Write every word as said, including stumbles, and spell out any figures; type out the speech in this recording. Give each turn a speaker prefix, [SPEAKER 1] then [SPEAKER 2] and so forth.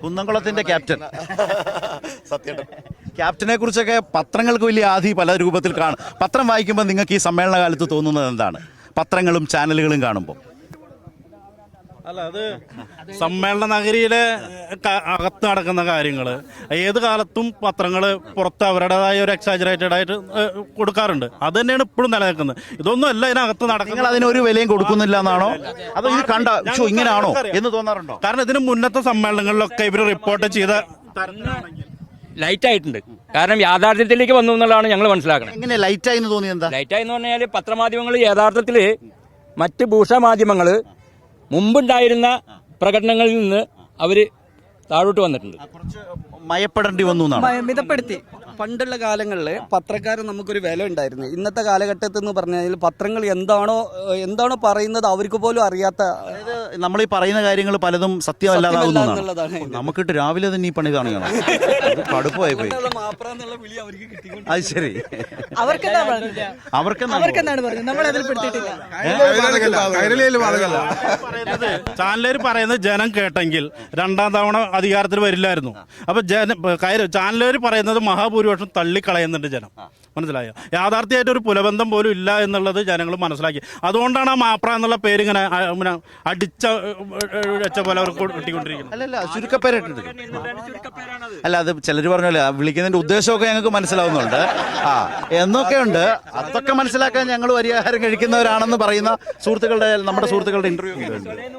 [SPEAKER 1] കുന്നംകുളത്തിന്റെ captain സത്യം. ക്യാപ്റ്റനെ കുറിച്ചൊക്കെ പത്രങ്ങൾക്ക് വലിയ ആധി പല രൂപത്തിൽ കാണും. പത്രം വായിക്കുമ്പോൾ നിങ്ങൾക്ക് ഈ സമ്മേളന കാലത്ത് തോന്നുന്നത് എന്താണ്? പത്രങ്ങളും ചാനലുകളും കാണുമ്പോൾ
[SPEAKER 2] അല്ല, അത് സമ്മേളന നഗരിയിലെ അകത്ത് നടക്കുന്ന കാര്യങ്ങൾ ഏത് കാലത്തും പത്രങ്ങൾ പുറത്ത് അവരുടേതായ ഒരു എക്സാജറേറ്റഡ് ആയിട്ട് കൊടുക്കാറുണ്ട്. അത് തന്നെയാണ് ഇപ്പോഴും നിലനിൽക്കുന്നത്. ഇതൊന്നും അല്ല ഇതിനകത്ത് നടക്കുന്നത്.
[SPEAKER 1] അതിനൊരു വിലയും കൊടുക്കുന്നില്ല എന്നാണോ, അതോ ഇത് കണ്ട ഇങ്ങനെയാണോ എന്ന് തോന്നാറുണ്ടോ?
[SPEAKER 2] കാരണം ഇതിന് മുന്നത്തെ സമ്മേളനങ്ങളിലൊക്കെ ഇവർ റിപ്പോർട്ട് ചെയ്ത
[SPEAKER 3] ലൈറ്റ് ആയിട്ടുണ്ട്. കാരണം യാഥാർത്ഥ്യത്തിലേക്ക് വന്നു എന്നുള്ളതാണ് ഞങ്ങൾ മനസ്സിലാക്കുന്നത്.
[SPEAKER 1] എങ്ങനെ ലൈറ്റായി എന്ന് തോന്നിയത് എന്താ?
[SPEAKER 3] ലൈറ്റായി എന്ന് പറഞ്ഞാൽ പത്രമാധ്യമങ്ങൾ യഥാർത്ഥത്തിൽ മറ്റ് ഭൂഷാമാധ്യമങ്ങൾ മുമ്പുണ്ടായിരുന്ന പ്രകടനങ്ങളിൽ നിന്ന് അവർ താഴോട്ട് വന്നിട്ടുണ്ട്.
[SPEAKER 1] മയപ്പെടേണ്ടി വന്നു എന്നാണ്.
[SPEAKER 4] മിതപ്പെടുത്തി. പണ്ടുള്ള കാലങ്ങളിൽ പത്രക്കാരൻ നമുക്കൊരു വില ഉണ്ടായിരുന്നു. ഇന്നത്തെ കാലഘട്ടത്തിൽ എന്ന് പറഞ്ഞാൽ പത്രങ്ങൾ എന്താണോ എന്താണോ പറയുന്നത് അവർക്ക് പോലും അറിയാത്ത,
[SPEAKER 1] നമ്മൾ ഈ പറയുന്ന കാര്യങ്ങൾ പലതും സത്യമല്ലാതാകുന്നതാണ്. നമുക്കിട്ട് രാവിലെ തന്നെ ഈ പണി കാണുകയാണ്. കടുപ്പമായി പോയി. അത് ശരി,
[SPEAKER 4] അവർക്കെന്താണ് പറഞ്ഞത് നമ്മൾ അതിൽ പെടുത്തിയിട്ടില്ല.
[SPEAKER 2] ചാനലേര് പറയുന്നത് ജനം കേട്ടെങ്കിൽ രണ്ടാം തവണ അധികാരത്തിൽ വരില്ലായിരുന്നു. അപ്പൊ ജന ചാനലേര് പറയുന്നത് മഹാഭൂരിപക്ഷം തള്ളിക്കളയുന്നുണ്ട് ജനം. മനസ്സിലായോ? യാഥാർത്ഥ്യമായിട്ട് ഒരു പുലബന്ധം പോലും ഇല്ല എന്നുള്ളത് ജനങ്ങൾ മനസ്സിലാക്കി. അതുകൊണ്ടാണ് ആ മാപ്ര എന്നുള്ള പേര് ഇങ്ങനെ അടിച്ച വെച്ച പോലെ അവർക്ക് കിട്ടിക്കൊണ്ടിരിക്കുന്നത്.
[SPEAKER 1] അല്ലല്ല, ചുരുക്കപ്പേരായിട്ടുണ്ട്. അല്ല, അത് ചിലർ പറഞ്ഞല്ലേ വിളിക്കുന്നതിന്റെ ഉദ്ദേശമൊക്കെ ഞങ്ങൾക്ക് മനസ്സിലാവുന്നുണ്ട്. ആ എന്നൊക്കെയുണ്ട്. അതൊക്കെ മനസ്സിലാക്കാൻ ഞങ്ങൾ പരിഹാരം കഴിക്കുന്നവരാണെന്ന് പറയുന്ന സുഹൃത്തുക്കളുടെ നമ്മുടെ സുഹൃത്തുക്കളുടെ ഇന്റർവ്യൂ